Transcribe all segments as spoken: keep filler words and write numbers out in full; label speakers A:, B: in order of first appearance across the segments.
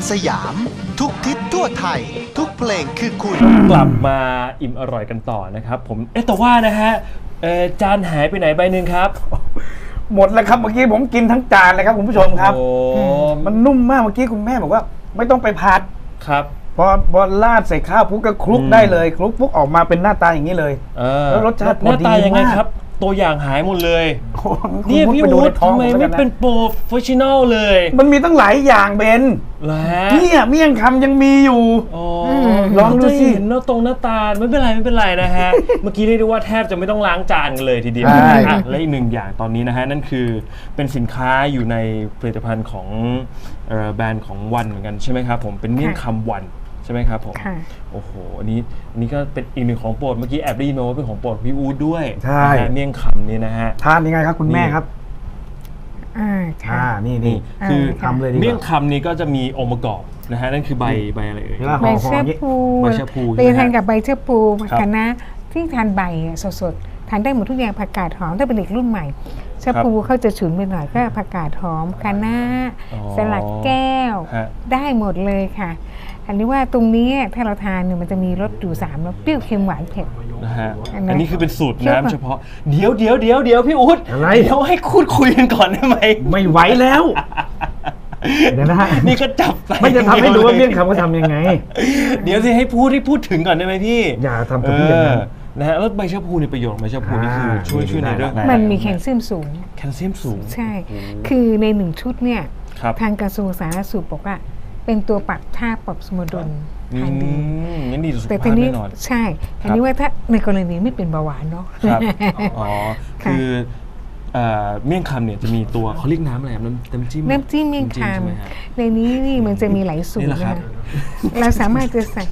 A: สยามทุกทิศทั่วไทยทุกเพลงคือคุณ
B: กลับมาอิ่มอร่อยกันต่อนะครับผมเอ๊ะแต่ว่านะฮะจานหายไปไหนใบหนึ่งครับ
C: หมดแล้วครับเมื่อกี้ผมกินทั้งจานเลยครับคุณผู้ชมครับมันนุ่มมากเมื่อกี้คุณแม่บอกว่าไม่ต้องไปผัด
B: ครับ
C: พอพอราดใส่ข้าวปุ๊บก็คลุกได้เลยคลุกปุ๊บออกมาเป็นหน้าตาอย่างนี้เลยแล้วรสชาติพอดีมากหน้าตายังไงครับ
B: ตัวอย่างหายหมดเลยนี่พี่อู๊ดทำไมไม่เป็นโปรเฟชชั่นอลเลย
C: มันมีตั้งหลายอย่างเบนเนี่ยเมี่ยงคำยังมีอยู่ลองดูสิ
B: เห็นหน้าตรงหน้าตาไม่เป็นไรไม่เป็นไรนะฮะเมื่อกี้เรียกได้ว่าแทบจะไม่ต้องล้างจานกันเลยทีเดียวและอีกหนึ่งอย่างตอนนี้นะฮะนั่นคือเป็นสินค้าอยู่ในผลิตภัณฑ์ของแบรนด์ของวันเหมือนกันใช่ไหมครับผมเป็นเมี่ยงคำวันใช่ไหมครับผมโอ้โหอันนี้อันนี้ก็เป็นอีกหนึ่งของโปรดเมื่อกี้แอบได้ยินมาว่าเป็นของโปรดพี่อู๊ดด้วย
C: ใช่
B: เมี่ยงคำนี่นะฮะ
C: ทานยังไงครับคุณแม่ครับ
D: อ่า
C: อ่านี่นี่
B: คือ
C: ทำเลยดีกว่า
B: เมี่ยงคำนี้ก็จะมีองค์ประกอบนะฮะนั่นคือใบใบอะไรเอ่ย
D: ใบเชื่อพู
B: ใบเชื่อพู
D: ไปทานกับใบเชื่อพูคณะที่ทานใบสดๆทานได้หมดทุกอย่างผักกาดหอมถ้าเป็นเด็กรุ่นใหม่เชื่อพูเขาจะฉุนไปหน่อยก็ผักกาดหอมคะน้าสลัดแก้วได้หมดเลยค่ะอันนี้ว่าตรงนี้ถ้าเราทานเนี่ยมันจะมีรสอยู่สามรสเปรี้ยวเค็มหวานเผ็ด
B: นะฮะอันนี้คือเป็นสูตรน้ำเฉพาะเดี๋ยวเดี๋ยวเดี๋ยวเดี๋ยวพี่อุ๊ด
C: อะไร
B: เดี๋ยวให้คุยคุยกันก่อนได้ไหม
C: ไม่ไหวแล้วเดี๋ยวนะฮะ
B: นี่ก็จับ
C: ไม่จะทำให้ดูว่าเมี่ยงคำเขาทำยังไง
B: เดี๋ยวสิให้พูดให้พูดถึงก่อนได้ไหมพี่
C: อย่าทำกับพี่อย่างนั้น
B: นะฮะแล้วใบชะพูในประโยชน์ใบชะพูนี่คือช่วยช่วยในเรื่อง
D: มันมีแคลเซียมสูง
B: แคลเซียมสูง
D: ใช่คือในหนึ่งชุดเนี่ยทางกระทรวงสาธารณสุขบอกว่าเป็นตัวปรับท่าปรับสมดุล
B: ทางดีงั้นดีสุขภาพแน่นอน
D: ใช่อันนี้ว่าถ้าในกรณีไม่เป็นเบาหวานเนาะ
B: ครับอ๋อคือเมี่ยงคำเนี่ยจะมีตัวเขาเรียกน้ำอะไรน้ำน้ำจิ้ม
D: น้ำจิ้มเมี่ยงคำในนี้นี่มันจะมีหลายสูตรนะคะเราสามารถจะใส่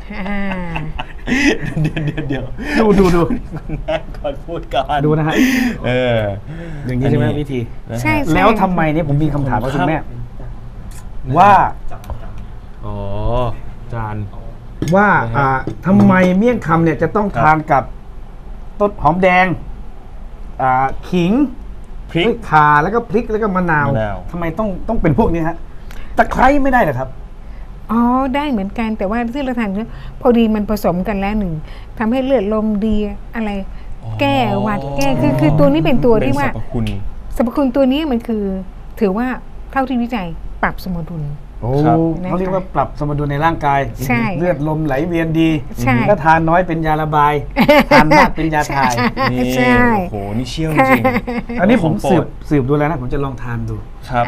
B: เดี๋ยวเดี๋ยวเดี๋ยว
C: ดูดูดู
B: แม่ก่อนพูดก่อน
C: ดูนะฮะ
B: เออ
C: อย่างนี้ใช่ไหมวิธี
D: ใช่
C: แล้วทำไมเนี่ยผมมีคำถามกับคุณแม่ว่า
B: อ๋อจาน
C: ว่าอ่าทำไมเมี่ยงคำเนี่ยจะต้องทานกับต้นหอมแดงอ่าขิง
B: พริก
C: ข่าแล้วก็พริกแล้วก็มะนาวทำไมต้องต้องเป็นพวกนี้ฮะตะไคร้ไม่ได้เหรอครับ
D: อ๋อได้เหมือนกันแต่ว่าที่เราทานเนี่ยพอดีมันผสมกันแล้วหนึ่งทำให้เลือดลมดีอะไรแก้หวัดแก้คือคือตัวนี้เป็นตัวที่ว่า
B: สรรพคุณ
D: สรรพคุณตัวนี้มันคือถือว่าเท่าที่วิจัยปรับสมดุล
C: โอ้เขาเรียกว่าปรับสมดุลในร่างกายเลือดลมไหลเวียนดีถ้าทานน้อยเป็นยาระบายทานมากเป็นยาถ่าย
B: นี่โอ้โหนี่เชี่ยวจริง
C: อันนี้ผมสืบสืบดูแล้วนะผมจะลองทานดู
B: ครับ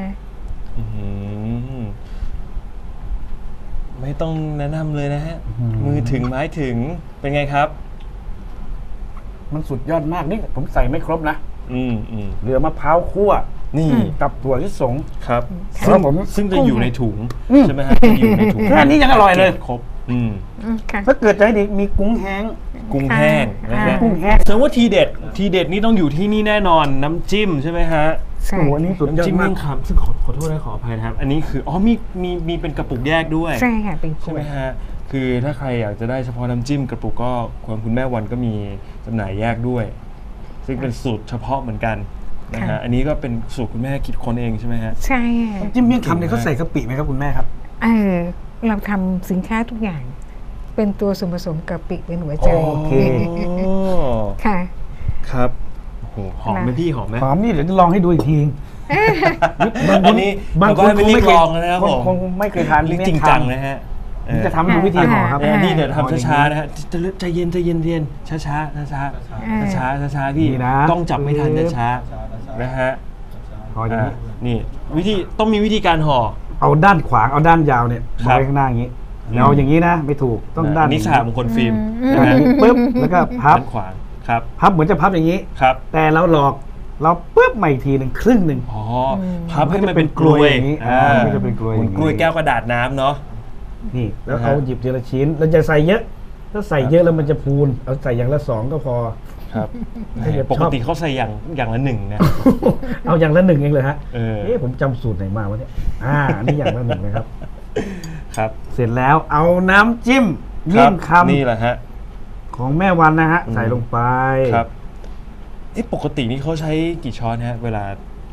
B: ไม่ต้องแนะนำเลยนะฮะมือถึงไม้ถึงเป็นไงครับ
C: มันสุดยอดมากนี่ผมใส่ไม่ครบนะ
B: อืมอืม
C: เหลือมะพร้าวคั่ว
B: นี่
C: กับถั่วลิสง
B: ครับ
C: ซึ่งผม
B: ซึ่งจะอยู่ในถุงใช่ไหมฮะอยู่ในถุง
C: แค่นี้ยังอร่อยเลย
B: ครบอืม
C: ถ้าเกิดใจดีมีกุ้งแห้ง
B: กุ้งแห้งนะฮะ
C: กุ้งแห้ง
B: แสดงว่าทีเด็ดทีเด็ดนี่ต้องอยู่ที่นี่แน่นอนน้ำจิ้มใช่ไหมฮะ
D: ใช่
C: อันนี้สุดยอดมาก
B: ครับซึ่งขอขอโทษนะขออภัยนะครับอันนี้คืออ๋อมีมีมีเป็นกระปุกแยกด้วย
D: ใช่ค่ะเป็น
B: ใช่ไหมฮะคือถ้าใครอยากจะได้เฉพาะน้ำจิ้มกระปุกก็คุณคุณแม่วันก็มีจำหน่ายแยกด้วยซึ่งเป็นสูตรเฉพาะเหมือนกันนะฮะอันนี้ก็เป็นสูตรคุณแม่คิดค้นเองใช่ไหมฮะ
D: ใช่
C: น้ำจิ้มเมี่ยงคำเนี่ยเขาใส่กะปิไหมครับคุณแม่ครับ
D: เออเราทำสินค้าทุกอย่างเป็นตัวส่วนผสมกะปิเป็นหัวใจ
C: โอเค
D: ค่ะ
B: ครับโอ้โหหอมไหมพี่หอมไหม
C: หอมนี่เดี๋ยวจะลองให้ดูอีกที
B: อันนี้บางคนไม่รีบลองนะครับผม
C: คงไม่เคยทาน
B: จริงจังนะฮะ
C: จะทำดูวิธีห่อครับ
B: นี่เดี๋ยวทำช้าๆนะฮะใจเย็นใจเย็นเย็นช้าช้าช้าช้าช้าช้าช้าพี่ต้องจับไม่ทันช้านะฮะ
C: ห่ออย่างนี้
B: นี่วิธีต้องมีวิธีการห่อ
C: เอาด้านขวางเอาด้านยาวเนี่ยมาไว้ข้างหน้าอย่างนี้แล้วอย่างนี้นะไม่ถูกต้องด้าน
B: นี้สามมงคลฟิล์ม
C: ปึ๊บแล้วก็พับ
B: ขวางครับ
C: พับเหมือนจะพับอย่างนี้
B: ครับ
C: แต่เราหลอกเราปึ๊บใหม่ทีหนึ่งครึ่งหนึ่ง
B: อ๋อพับให้มันเป็นกลวย
C: อย่างนี้ไม่จะเป็นกลวย
B: กลวยแก้วกระดาษน้ำเนาะ
C: นี่แล้วเอาหยิบทีละชิ้นแล้วจะใส่เยอะถ้าใส่เยอะแล้วมันจะพูนเอาใส่อย่างละสองก็พอ
B: ครับปกติเขาใส่อย่างอย่างละหนึ่งนะ
C: เอาอย่างละหนึ่งเองเลยฮะ
B: เออ
C: ผมจำสูตรไหนมาวะเนี่ยอ่านี่อย่างละหนึ่งนะครับ
B: ครับ
C: เสร็จแล้วเอาน้ำจิ้มเมี่ยงคำ
B: นี่แหละฮะ
C: ของแม่วันนะฮะใส่ลงไป
B: ครับเอ๊ะปกตินี่เขาใช้กี่ช้อนฮะเวลา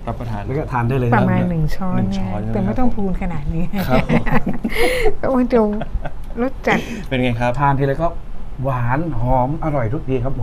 B: รับประทาน
C: แล้วก็ทานได้เลย
D: ประมาณ
C: คบ
D: หนึ่งช้อน
B: หนึ่ง
D: เนี่
B: ช้
D: ย
B: อนใช่ไหม
D: แต่ไม่ต้องพูนขนาดนี้
B: ครับผม
D: โอ้ยจะรสจัด
B: เป็นไงครับ
C: ทานทีไรก็หวานหอมอร่อยทุกทีครับผม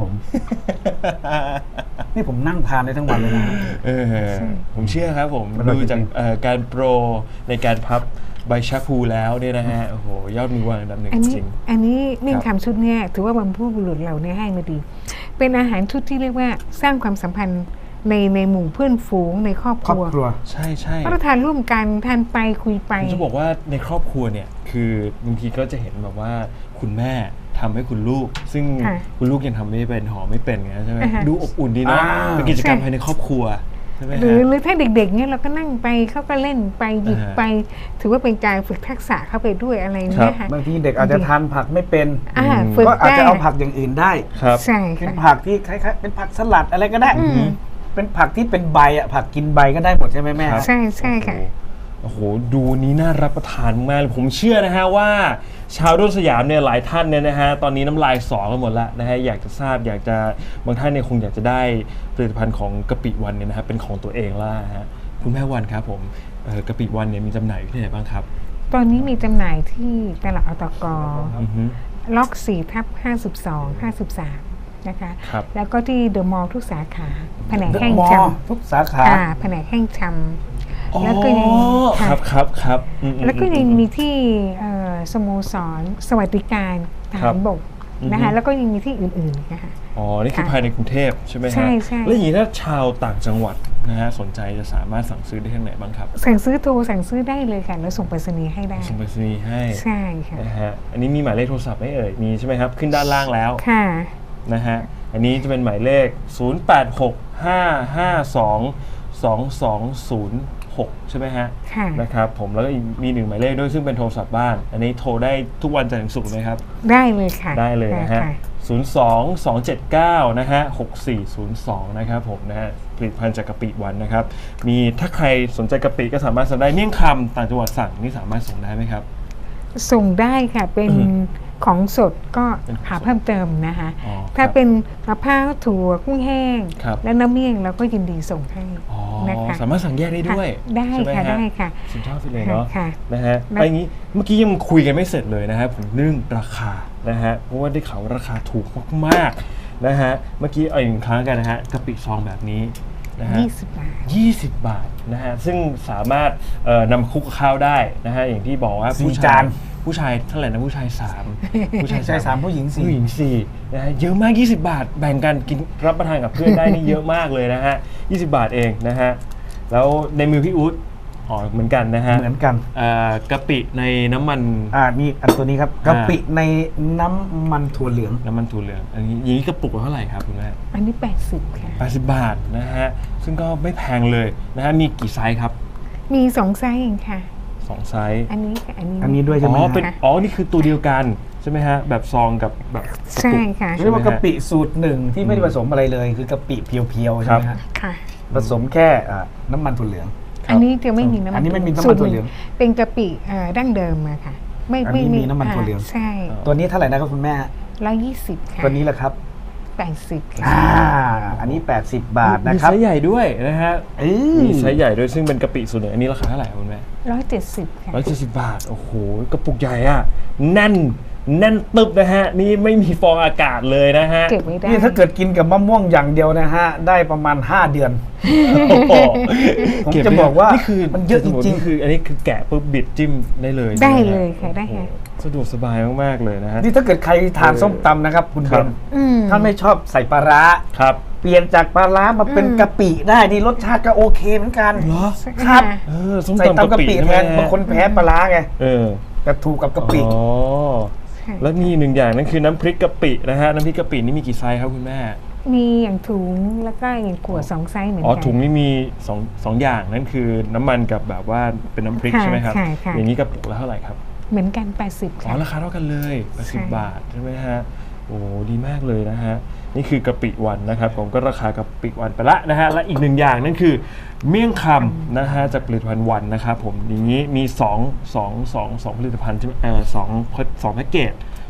C: นี่ผมนั่งทานได้ทั้งวันเลยนะ
B: เออผมเชื่อครับผม
C: มันอร่อย
B: ดูจาก
C: จริงๆ
B: เอ่อการโปรในการพับใบชะพูแล้วเนี่ยนะฮะโอ้โหยอดมือวางอันดับหนึ่ง
D: อัน
B: จ
D: นี้
B: ริง
D: อันนี้เมี่ยง
B: ครับ
D: คำชุดเนี่ยถือว่าบรรพบุรุษเราเนี่ยให้มาดี เป็นอาหารชุดที่เรียกว่าสร้างความสัมพันธ์ในในหมู่เพื่อนฝูงในครอบ
C: ค
D: ค
C: รอบ
D: รัว
C: ครัว
B: ใช่ใช่
D: รับประทานร่วมกันทานไปคุยไป
B: ผมจะบอกว่าในครอบครัวเนี่ยคือบางทีก็จะเห็นแบบว่าคุณแม่ทำให้คุณลูก ซึ่ง
D: ค่ะ
B: คุณลูกยังทำไม่เป็นหอมไม่เป็นไงใช่ไหม
D: อ่าฮะ
B: ดูอบอุ่นดีเนาะ
C: อ่า
B: เป็นกิจกรรม
D: ใช่
B: ภายในครอบครัวใช่ไหม
D: หรือ
B: ฮะ
D: หรือถ้าเด็กๆเนี่ยเราก็นั่งไปเขาก็เล่นไปหยิบ
B: อ่าฮะ
D: ไป ถือว่าเป็นการฝึกทักษะเข้าไปด้วยอะไร
B: ครั
D: เนี่
B: บ
D: ยค่ะ
C: บางทีเด็กอาจจะทานผักไม่เป็น
D: อ่า
B: อืม
D: ฝึก
C: ก็อาจ
D: ได้
C: จะเอาผักอย่างอื่นได้
B: ครับ
D: ใช่
C: เป็น
D: ค่ะ
C: ผักที่คล้ายๆเป็นผักสลัดอะไรก็ได้
D: อืม
C: เป็นผักที่เป็นใบอ่ะผักกินใบก็ได้หมดใช่ไหมแม่
B: ครับ
D: ใช่ใช่ค่ะ
B: โอ้โห ดูนี้น่ารับประทานมากเลยผมเชื่อนะฮะว่า ชาวรุ่นสยามเนี่ยหลายท่านเนี่ยนะฮะตอนนี้น้ำลายสอกันหมดแล้วนะฮะอยากจะทราบอยากจะบางท่านเนี่ยคงอยากจะได้ผลิตภัณฑ์ของกะปิวันเนี่ยนะฮะเป็นของตัวเองแล้วฮะคุณแม่วันครับผมเอ่อกะปิวันเนี่ยมีจำหน่ายอยู่ที่ไหนบ้างครับ
D: ตอนนี้มีจำหน่ายที่ตลาดอตก
B: อือฮึ
D: ล็อกสี่ทับห้าสิบสอง ห้าสิบสามนะคะ
B: ครับ
D: แล้วก็ที่เดอะมอลล์ทุกสาขาแผนก
C: เดอะ
D: แห้ง
C: มอ
D: ช
C: ลล์ทุกสาขา
D: ำอ่าแผนกแห้งชำ แล้วก็ยัง
B: อ๋อ
D: ค่ะ
B: ครับครับครับอืม
D: แล้วก็ยัง
B: อื
D: มีที่เอ่อสโมสรสวัสดิการท
B: ครั
D: หา
B: บ
D: รบก
B: อือฮึ
D: นะคะแล้วก็ยังมีที่อื่นๆนะคะ
B: อ๋อ นี่คือ
D: ค่ะ
B: ภายในกรุงเทพใช่ไหมฮะ
D: ใช่ใช่
B: แล้วอย่างนี้ถ้าชาวต่างจังหวัดนะฮะสนใจจะสามารถสั่งซื้อได้ที่ไหนบ้างครับ
D: สั่งซื้อโทรสั่งซื้อได้เลยค่ะแล้วส่งไปรษณีย์ให้ได้
B: ส่งไปรษณีย์ให้
D: ใช่ค่ะ
B: นะฮะอันนี้มีหมายเลขโทรศัพท์ไหมเอ่ยมีใช่ไหมครับขึ้นด้านล่างแล้ว
D: ค่ะ
B: นะฮะอันนี้จะเป็นหมายเลข ศูนย์ แปด หก ห้า ห้า สอง สอง สอง ศูนย์ หก ใช่ไหมฮะ
D: ค่ะ
B: นะครับผมแล้วก็อีกมีหนึ่งหมายเลขด้วยซึ่งเป็นโทรศัพท์บ้าน อันนี้โทรได้ทุกวันจันทร์ถึงศุกร์ไหมครับ
D: ได้เลยค่ะ
B: ได้เลยนะฮะ
D: ค่
B: ศูนย์ สอง สอง เจ็ด เก้า นะฮะ หก สี่ ศูนย์ สอง นะครับผมนะฮะ ผลิตภัณฑ์จากกะปิวันนะครับ มีถ้าใครสนใจกะปิก็สามารถสั่งได้เมี่ยงคำต่างจังหวัดสั่งนี่สามารถส่งได้ไหมครับ
D: ส่งได้ค่ะเป็น
B: อือฮึ
D: ของสดก็
B: เป็นของ
D: หา
B: สด
D: เพิ่มเติมนะคะ
B: อ๋อ
D: ถ้า
B: ครับ
D: เป็นมะพร้าวถั่วกุ้งแห้ง
B: ครับ
D: และน้ำเมี่ยงเราก็ยินดีส่งให้
B: อ๋อ
D: นะคะ
B: สามารถสั่งแยกได้ด้วย
D: ค่ะได้
B: ใช่หม
D: ค่ะ
B: ฮ
D: ได้ค่ะ
B: สุดยอดไปเลยเนาะ
D: ค่ะ
B: นะฮะ
D: นะ
B: ไอ้งี้เมื่อกี้ยังคุยกันไม่เสร็จเลยนะฮะผมเรื่องราคานะฮะเพราะว่าได้ข่าวว่าราคาถูกมากๆนะฮะเมื่อกี้เอาอีกหนึ่งครั้งกันนะฮะกะปิซองแบบนี้นะฮะ
D: ยี่สิบบาท
B: ยี่สิบบาทนะฮะซึ่งสามารถเอ่อนำคลุกกับข้าวได้นะฮะอย่างที่บอกว่า
C: สี่
B: ผู้ชา
C: จาย น
B: ผู้ชายเท่าไหร่นะผู้ชายสามผู้ชาย
C: ผู้ชายสามผู้หญิงสี่
B: ผู้หญิงสี่นะฮะเยอะมาก ยี่สิบบาท แบ่งกันกินรับประทานกับเพื่อนได้นี่เยอะมากเลยนะฮะยี่สิบบาทเองนะฮะแล้วในมือพี่อุ๊ดอ๋อเหมือนกันนะฮะ
C: เหมือนกัน
B: เอ่อกะปิในน้ำมัน
C: อ่านี่อันตัวนี้ครับกะปิในน้ำมันถั่วเหลือง
B: น้ำมันถั่วเหลืองอันนี้อย่างนี้กระปุกละเท่าไหร่ครับคุณแม่
D: อันนี้แปดสิบค่ะ
B: แปดสิบบาทนะฮะซึ่งก็ไม่แพงเลยนะฮะมีกี่ไซส์ครับ
D: มีสองไซส์เองค่ะ
B: สองไซส์
D: อันนี้กับอันนี้
C: อันนี้ด้วยใช่ไหม
B: อ๋อ
C: ฮะ
B: เป็นอ๋อ นี่คือตัวเดียวกันใช่ไหมฮะ แบบซองกับแบบกระ
D: ใช่
B: ปุก
D: ค่ะ
C: เรียกว่ากะปิสูตรหนึ่งที่ไม่ได้ผสมอะไรเลย คือกะปิเพียวๆใช่ไหม
B: ครั
C: ฮะ
B: บ
D: ค่ะ
C: ผสมแค่อ่าน้ำมันถั่วเหลือง
B: ครับ
D: อันนี้จะไม่มีน้ำมัน
C: อันนี้ไม่มีน้ำมัน
D: สูตร
C: ถั่วเหลือง
D: เป็นกะปิเอ่อดั้งเดิมอะค่ะ ไม่
C: อันนี้มีน้ำมันถั่วเหลือง
D: ใช่
C: ตัวนี้เท่าไหร่นะครับคุณแม่
D: ร้อยยี่สิบค่ะ
C: ตัวนี้แหละครับ
D: แปดสิบ
C: อ่า
D: ค่ะ
C: อันนี้ แปดสิบบาทนะ
B: มี
C: ครับ
B: ไซส์ใหญ่ด้วยนะฮะ
C: เอ้ย
B: มีไซส์ใหญ่ด้วยซึ่งเป็นกะปิสูตรหนึ่งอันนี้ราคาเท่าไหร่ครับคุณแม่
D: ร้อยเจ็ดสิบค่ะ
B: ร้อยเจ็ดสิบบาท โอ้โห กระปุกใหญ่อะแน่น แน่นตึบนะฮะ นี่ไม่มีฟองอากาศเลยนะฮะ
D: เก็บไว้ได้
C: นี่ถ้าเกิดกินกับมะม่วงอย่างเดียวนะฮะ ได้ประมาณ ห้า เดือน
B: โอ้โห
C: ผมจะบอกว่า
B: นี่คือ
C: มันเยอะจริงๆ
B: นี่คืออันนี้คือแกะปุ๊บบิดจิ้มได้เลย
D: ได้
B: ใช่หมฮ
D: เลยค่ะได้ค่ะ
B: โอ้โหสะดวกสบายมากๆเลยนะฮะ
C: นี่ถ้าเกิดใครทานส้มตำนะครับ คุณ
B: ครั
C: เบ
B: บ
C: น
D: อืม
C: ถ้าไม่ชอบใส่ปลาร้า
B: ครับ
C: เปลี่ยนจากปลาร้ามาเป็น
D: อืม
C: กะปิได้นี่รสชาติก็โอเคเหมือนกัน
B: เหรอ
C: ครับ
B: เออส้ม
C: ใส่
B: ตำ
C: ตำกะปิ
B: ใช่
C: แท
B: ไหม
C: น
B: ฮะ
C: บางคนแพ้ปลาร้าไง
B: เออ
C: แต่ถูกกับกะปิ
B: อ๋อ
D: ค่ะ
B: แล้วมีหนึ่งอย่างนั่นคือน้ำพริกกะปินะฮะ น้ำพริกกะปินี่มีกี่ไซส์ครับคุณแม่
D: มีอย่างถุงแล้วก็อย่างขวดสองไซส์เหมือน
B: อ๋อ
D: กัน
B: ถุงนี่มีสองสองอย่างนั่นคือน้ำมันกับแบบว่าเป็นน้ำพริก
D: ค่ะ
B: ใช่ไหมครับ
D: ค่ะค่ะ
B: อย่างนี้กระปุกละเท่าไหร่ครับ
D: เหมือนกันแปดสิบ
B: อ๋อ
D: ค่ะ
B: ราคาเท่ากันเลยแปดสิบ
D: ใช่
B: บาทใช่ไหมฮะ โอ้ดีมากเลยนะฮะ นี่คือกะปิวันนะครับผมก็ราคากะปิวันไปละนะฮะ และอีกหนึ่งอย่างนั่นคือเมี่ยงคำนะฮะจากผลิตภัณฑ์วันนะครับผมอย่างนี้มี2 2 2 2ผลิตภัณฑ์ใช่ไหมเออสองสองแพ็กเกจ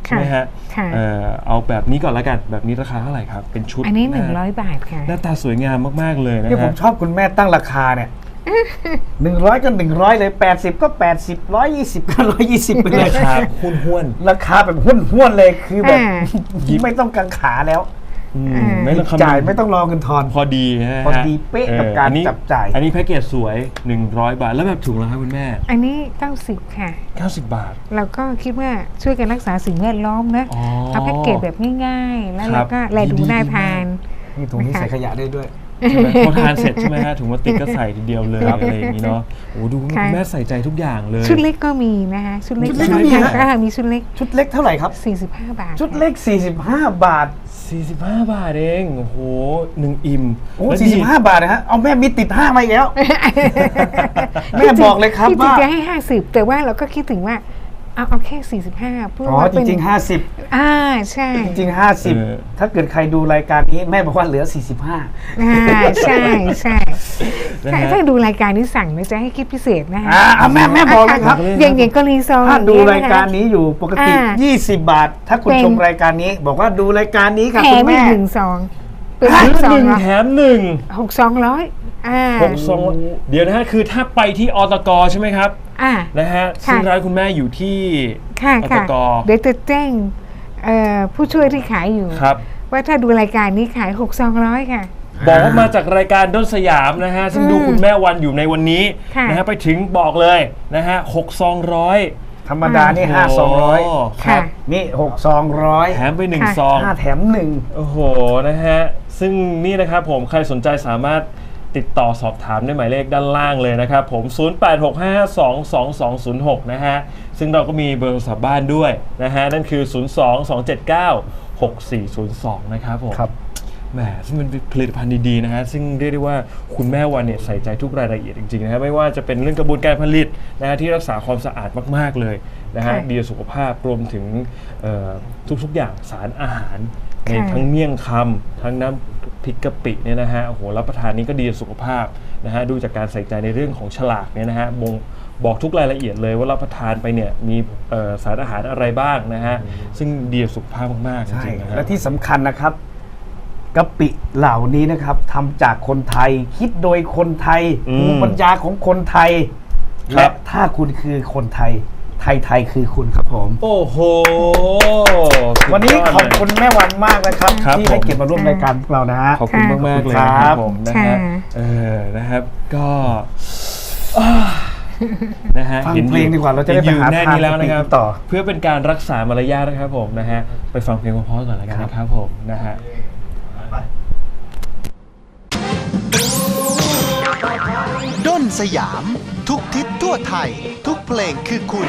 B: ใช่ไหมฮะ
D: ค่ะ
B: เอ่อเอาแบบนี้ก่อนละกันแบบนี้ราคาเท่าไหร่ครับเป็นชุด
D: อันนี้หนึ่ง
B: า
D: ร้อยบาทค่ะ
B: หน้าตาสวยงามมากๆเลยนะ
C: ที่ผม
B: ฮะ
C: ชอบคุณแม่ตั้งราคาเนี่ยหนึ่งร้อยก็หนึ่งร้อยเลยแปดสิบก็แปดสิบร้อยยี่สิบก็ร้อยยี่สิบไปเลย
B: ราคาหุ้นห้วน
C: ราคาแบบหุ้นห้วนๆเลยคือแบบ
D: อ่า
C: ไม่ต้องกังขาแล้ว
B: ๆอืม
D: อ่า
B: ไม่ต้องคำ
C: จ่าย
B: นึง
C: ไม่ต้องรอเงินทอน
B: พอดีนะฮะ
C: พอดีเป๊ะกับการ
B: อันนี้
C: จับจ่าย
B: อันนี้แพ็กเกจสวยหนึ่งร้อยบาทแล้วแบบถุงละครับคุณแม่
D: อันนี้เก้าสิบค่ะ
B: เก้าสิบบาท
D: เราก็คิดว่าช่วยกันรักษาสิ่งแวดล้อมนะ
B: อ๋อ
D: เอาแพ็กเกจแบบง่ายๆ แล้ว
B: ครั
D: เรา
B: บ
D: ก็แลดู
B: ดีๆ
D: น่าทาน
C: นี่ถุงนี้ใส่ขยะได้ด้วย
B: ใช่ไหมพอทานเสร็จใช่ไหมฮะถุงพลาสติกก็ใส่ทีเดียวเลยอะไรอย่างนี้เนาะโอ้ดูคุณ
D: ค่ะ
B: แม่ใส่ใจทุกอย่างเลย
D: ชุดเล็กก็มีนะคะชุดเล็ก
C: ชุดเล็กก็มีฮะ
D: อ่ามีชุดเล็ก
C: ชุดเล็กเท่าไหร่ครับ
D: สี่สิบห้าบาท
C: ชุดเล็ก สี่สิบห้า บาท
B: สี่สิบห้าบาทเองโอ้โหหนึ่งอิ่ม
C: โอ้
B: แล้ว
C: สี่
B: ดี
C: สิบห้า บาทนะฮะ เอาแม่มีติดห้ามาอีกแล้ว แม่บอกเลยครับ
D: ที่จริง
C: ว่า
D: จะให้ห้าสิบแต่ว่าเราก็คิดถึงว่าเอาเอาแค่สี่สิบห้าเพื่อ
C: อ๋อ
D: ว่า
C: จ
D: เป็น
C: ริงๆห้าสิบ
D: อ่าใช่
C: จริงๆห้าสิบ
B: เออ
C: ถ้าเกิดใครดูรายการนี้แม่บอกว่าเหลือ สี่สิบห้า
D: อ่าใช่ใช่
B: นะ
D: ถ้า
B: ฮะ
D: ถ้าดูรายการนี้สั่งนะจะให้คิดพิเศษนะคะ
C: อ่าเอาแม่แม่บอกเลยครับ
D: อย่างอย่างกรณีซอง
C: ถ้าดู
D: อย่ง
C: ราย
D: เงี้
C: การ
D: นะคะ
C: นี้อยู่ปกติ
D: อ่า
C: ยี่สิบบาท ถ้าคุณ
D: เป็น
C: ชมรายการนี้ บอกว่าดูรายการนี้ค่ะ
D: แถ
C: คุ
D: ม
C: ณ
D: อี
C: แม่
D: กหนึ่งซองเป็น
B: ซื้
D: ห
B: อก
D: ซอ
B: ห
D: ง
B: นึ่ง
D: ร้อย
B: แถมหนึ่ง
D: หกซองร้อยอ่า
B: หกซองเดี๋ยวนะฮะคือถ้าไปที่อตกใช่ไหมครับ
D: อ่า
B: นะฮะ
D: ค่ะ
B: ซึ่งร้านคุณแม่อยู่ที่
D: ค่ะ
B: อต
D: ค่ะ
B: ก
D: เดี๋ยวจะแจ้งเอ่อผู้ช่วยที่ขายอยู่
B: ครับ
D: ว่าถ้าดูรายการนี้ขายหกซองร้อยค่ะ
B: บอกว่ามาจากรายการด้นสยามนะฮะซึ่งดูคุณแม่วันอยู่ในวันนี้
D: ค่ะ
B: นะฮะไปถึงบอกเลยนะฮะหกซองร้อย
C: ธรรมดานี่ห้าซองร้อย
B: ครั
D: ค่ะ
B: บ
C: นี่หกซองร้อย
B: แถมไปหนึ่ง
D: ค่ะ
B: ซอง
C: ห้าแถมหนึ่ง
B: โอ้โห นะฮะ ซึ่งนี่นะครับผม ใครสนใจสามารถติดต่อสอบถามได้หมายเลขด้านล่างเลยนะครับผม ศูนย์ แปด หก ห้า สอง สอง สอง ศูนย์ หก นะฮะ ซึ่งเราก็มีเบอร์โทรศัพท์บ้านด้วยนะฮะ นั่นคือ ศูนย์ สอง สอง เจ็ด เก้า หก สี่ ศูนย์ สอง นะครับผม
C: ครับ
B: แหมซึ่งเป็นผลิตภัณฑ์ดีๆนะฮะซึ่งเรียกได้ว่าคุณแม่วันเนี่ยใส่ใจทุกรายละเอียดจริงๆนะฮะไม่ว่าจะเป็นเรื่องกระบวนการผลิตนะฮะที่รักษาความสะอาดมากๆเลยนะฮะ
D: ค่ะ
B: ดีต่อสุขภาพรวมถึงเอ่อทุกๆอย่างสารอาหารใน
D: ค่ะ
B: ทั้งเมี่ยงคำทั้งน้ำพริกกะปิเนี่ยนะฮะโอ้โหรับประทานนี้ก็ดีต่อสุขภาพนะฮะดูจากการใส่ใจในเรื่องของฉลากเนี่ยนะฮะบ่งบอกทุกรายละเอียดเลยว่ารับประทานไปเนี่ยมีเอ่อสารอาหารอะไรบ้างนะฮะซึ่งดีต่อสุขภาพมากๆจ
C: ใช่
B: ริงๆนะฮะ
C: และที่สำคัญนะครับกะปิเหล่านี้นะครับทำจากคนไทย คิดโดยคนไทย
B: อืม
C: ภูมิปัญญาของคนไทย
B: ครั
C: และ
B: บ
C: ถ้าคุณคือคนไทย ไทยไทยคือคุณครับผม
B: โอ้โห
C: วันนี้
B: สุดยด
C: ขอบคุณแม่วันมากนะครับ
B: ครับ
C: ที่ให้
B: ผม
C: เกียรติมาร่วมรายการพวกเรานะฮะ
B: ขอบคุณมากมากๆเลยนะค
C: ครั
B: รับบ ผมนะฮะ
D: ค่ะ
B: เออนะครับก็อ่านะฮะ
C: ฟัง
B: ห็น
C: เพลงดีกว่าเราจะได้ไป
B: ห็นอยู่
C: หา
B: แน่
C: ทาง
B: นี้แล้วนะครับ
C: ไปต่อ
B: เพื่อเป็นการรักษามารยาทนะครับผมนะฮะไปฟังเพลงเพราะๆก่อนแล้วกันนะครับผมนะฮะ
A: ด้นสยาม ทุกทิศทั่วไทย ทุกเพลงคือคุณ